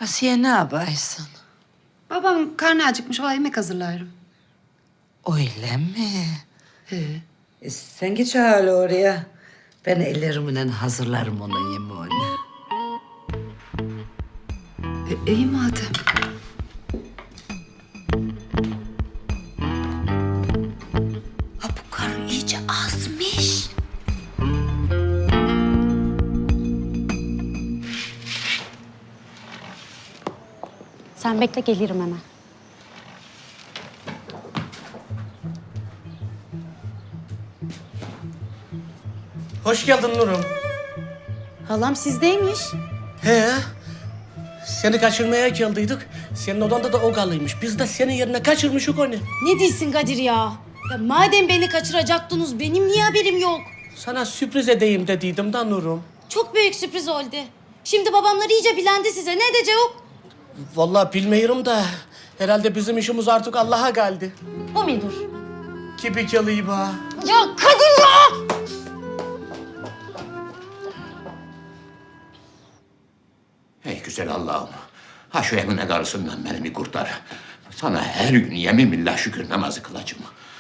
Asiye ne yaparsın? Babam karnı acıkmış, o yemek hazırlarım. Öyle mi? He. Sen geç hala oraya. Ben ellerimle hazırlarım onun yemeğini. İyi madem. Ha bu karı iyice azmış. Sen bekle, gelirim hemen. Hoş geldin Nurum. Halam sizdeymiş. He. Seni kaçırmaya geldiydik. Senin odanda da o kalıymış. Biz de senin yerine kaçırmışık onu. Ne diyorsun Kadir ya? Ya madem beni kaçıracaktınız, benim niye haberim yok? Sana sürpriz edeyim dediydim da Nurum. Çok büyük sürpriz oldu. Şimdi babamlar iyice bilendi size. Ne edecek? Vallahi bilmiyorum da herhalde bizim işimiz artık Allah'a geldi. O mudur? Gibi geliyor ha. Ya Kadir ya! Ey güzel Allah'ım. Ha şu Emine karısından beni bir kurtar. Sana her gün yemin billah şükür namazı kılacağım.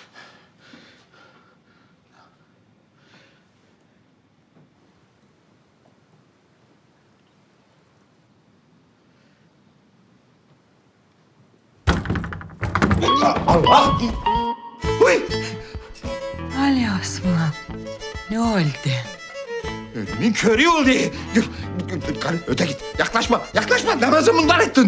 Allah! Uy! Ali Osman, ne oldu? Önümün körü oldu. Karı öte git. Yaklaşma, yaklaşma. Namazı bunlar ettin.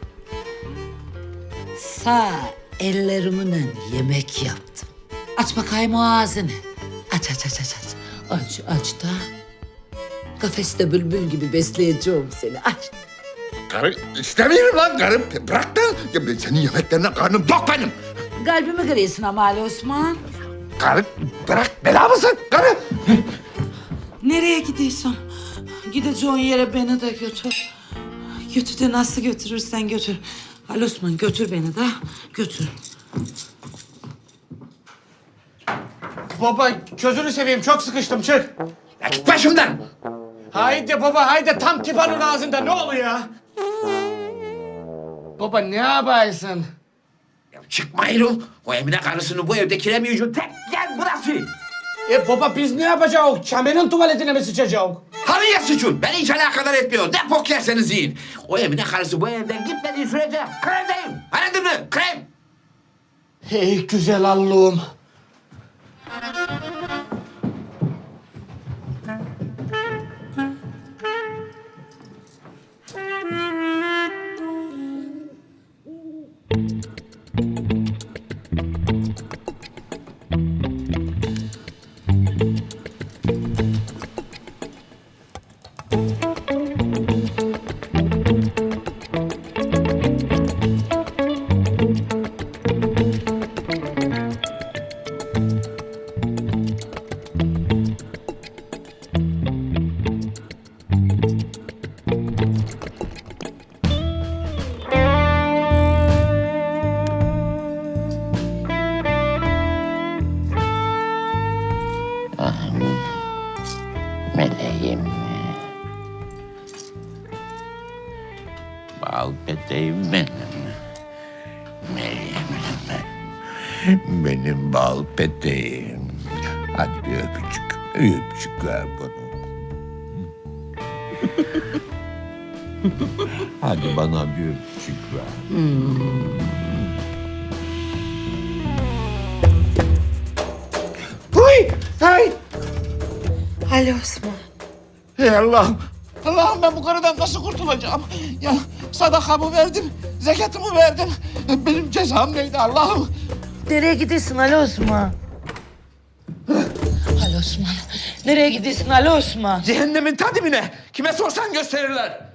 Sağ ellerimle yemek yaptım. Aç bakayım o ağzını. Aç. Aç da. Kafeste bülbül gibi besleyeceğim seni. Aç. Karı istemiyorum lan karım. Bırak da. Ya ben senin yemeklerine karnım tok benim. Kalbimi kırıyorsun ama Ali Osman. Karı bırak bela mısın karı? Nereye gidiyorsun? Gideceğin yere beni de götür. Götür de nasıl götürürsen götür. Ali Osman götür beni de götür. Baba gözünü seveyim çok sıkıştım çık. Ya git başımdan. Haydi baba haydi tam tipanın ağzında ne oluyor ya? Baba ne yaparsın? Ya çıkma Erol. O Emine karısını bu evde kiremeyeceğim. Tek yer burası. Baba biz ne yapacağız? Çamenin tuvaletine mi sıçacağız? Halıya sıçın. Beni hiç alakadar etmiyor. Ne bok yerseniz yiyin. O Emine karısı bu evden gitmediği sürece kremdeyim. Anladın mı? Krem. Hey güzel Allah'ım. Meleğim. Bal peteğim benim. Meleğim benim. Benim bal peteğim. Hadi bir öpücük. Öpücük ver bana. Hadi bana bir öpücük ver. Huy! Hay! Ali Osman. Ey Allah'ım! Allah'ım ben bu karıdan nasıl kurtulacağım? Ya sadakamı verdim, zekatımı verdim. Benim cezam neydi Allah'ım? Nereye gidiyorsun Ali Osman? Ali Osman. Nereye gidiyorsun Ali Osman? Cehennemin ta dibine. Kime sorsan gösterirler.